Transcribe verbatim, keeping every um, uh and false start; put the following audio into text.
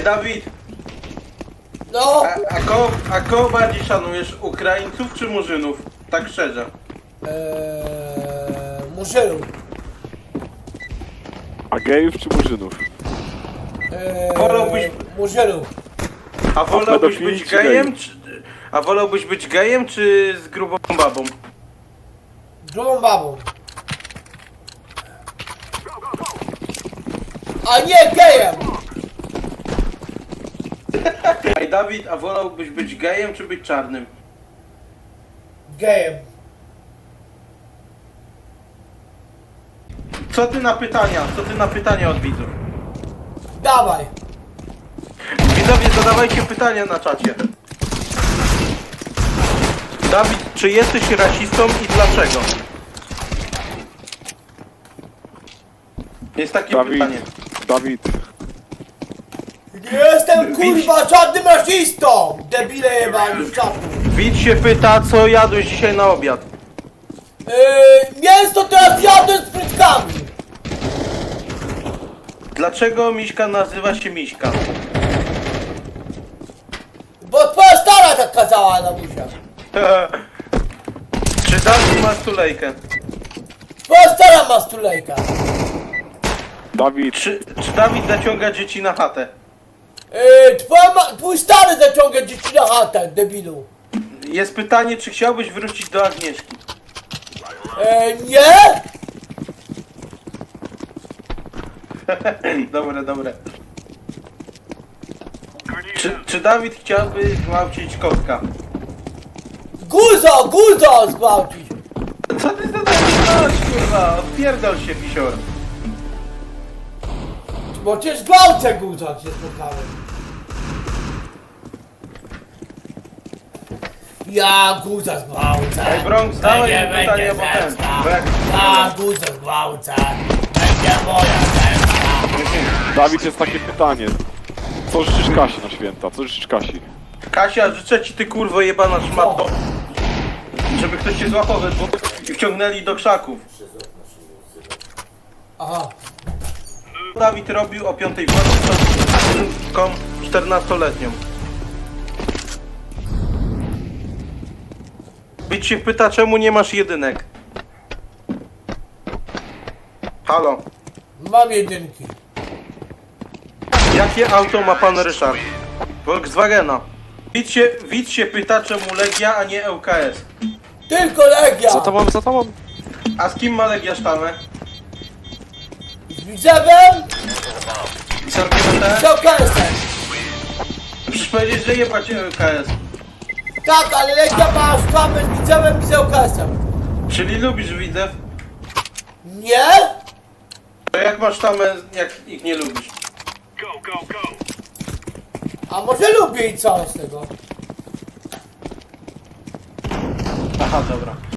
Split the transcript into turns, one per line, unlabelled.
Ej, Dawid,
No,
a, a, kogo, a kogo bardziej szanujesz? Ukraińców czy Murzynów? Tak szczerze.
eee, Murzynów.
A gejów czy murzynów?
Eee,
Wolałbyś-
Murzynów.
A wolałbyś
pedofili
być
czy
gejem,
geji?
czy... A wolałbyś być gejem, czy z grubą babą?
Grubą babą. A nie gejem!
Ej, Dawid, a wolałbyś być gejem, czy być czarnym?
Gejem.
Co ty na pytania? Co ty na pytania od widzów?
Dawaj.
Widzowie, zadawajcie pytania na czacie. Dawid, czy jesteś rasistą i dlaczego? Jest takie
Dawid,
pytanie.
Dawid,
Nie jestem kurwa żadnym rasistą! Debile jebani w czapku.
Widz się pyta, co jadłeś dzisiaj na obiad.
Eee, mięso teraz jadę z frytkami.
Dlaczego Miśka nazywa się Miśka?
Bo twoja stara tak kazała na buziach.
Czy Dawid ma stulejkę?
Twoja stara ma stulejka.
Dawid,
Czy, czy Dawid zaciąga dzieci na chatę?
Eee, twoja ma, twój stary zaciąga dzieci na chatę, debilu.
Jest pytanie, czy chciałbyś wrócić do Agnieszki?
Eee, nie?
Dobre, dobre. Czy, czy Dawid chciałby zgwałcić kotka?
Guzo, guzo zgwałcić.
Co ty za coś, kurwa? Odpierdol się, pisior.
Bo cię zgwałcę guzo, jak się spotkałem. Ja guza zgwałcę.
Ej, Bronx, dawaj
Będzie,
mi pytanie,
będzie
bo ten,
zemsta.
bo jak-
Ja guza zgwałcę. Będzie moja zemsta.
Dawid, jest takie pytanie. Co życzysz Kasi na święta? Co życzysz Kasi?
Kasia, życzę ci, ty kurwo jebana szmato, żeby ktoś cię złapał we dwóch i wciągnęli do krzaków.
Aha.
Dawid robił o piątej w nocy z studentką czternastoletnią. Widz się pyta, czemu nie masz jedynek? Halo,
Mam jedynki.
jakie auto ma pan Ryszard? Volkswagena. Widz się, widz się pyta, czemu Legia, a nie L K S.
Tylko Legia.
Za tobą, za tobą.
A z kim ma Legia sztamę?
Z Widzewem?
I z L K S?
Z okresem.
Przecież powiedzieć, że jebać L K S.
Tak, ale Legia ma sztamę z Widzewem i z okresem.
Czyli lubisz Widzew?
Nie?
To jak masz sztamę, jak ich nie lubisz?
A może lubię i co z tego?
Aha, dobra.